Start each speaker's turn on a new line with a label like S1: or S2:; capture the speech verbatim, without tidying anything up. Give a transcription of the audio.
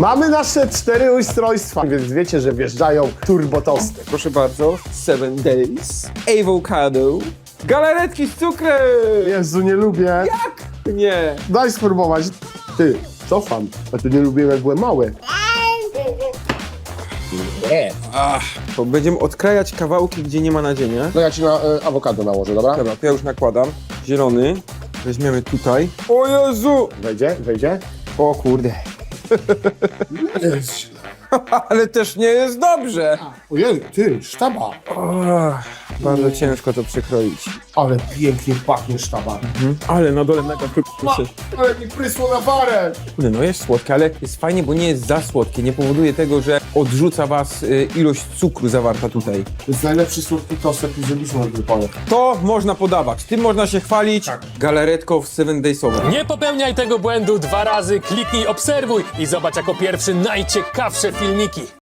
S1: Mamy nasze cztery ustrojstwa, więc wiecie, że wjeżdżają turbotosty.
S2: Proszę bardzo, Seven Days, Avocado, galaretki z cukrem!
S1: Jezu, nie lubię.
S2: Jak? Nie.
S1: Daj spróbować. Ty, cofam. A tu nie lubiłem, jak byłem mały. Nie.
S2: Ach, to będziemy odkrajać kawałki, gdzie nie ma nadzienia.
S1: No ja ci na y, awokado nałożę, dobra?
S2: Dobra, to ja już nakładam. Zielony. Weźmiemy tutaj. O Jezu!
S1: Wejdzie, wejdzie.
S2: O kurde. Ale też nie jest dobrze.
S1: Ojej, ty, sztaba.
S2: Ach, bardzo ciężko to przekroić.
S1: Ale pięknie pachnie sztaba.
S2: Mhm. Ale na dole mega pyszne.
S1: Ale mi prysło na parę.
S2: Kurde, no jest słodkie, ale jest fajnie, bo nie jest za słodkie. Nie powoduje tego, że odrzuca was y, ilość cukru zawarta tutaj.
S1: To jest najlepszy słodki tost, jaki zrobiliśmy na tej pole.
S2: To można podawać. Tym można się chwalić.
S1: Tak.
S2: Galaretką w Seven Days'ową.
S3: Nie popełniaj tego błędu dwa razy, kliknij obserwuj i zobacz jako pierwszy najciekawsze filmiki.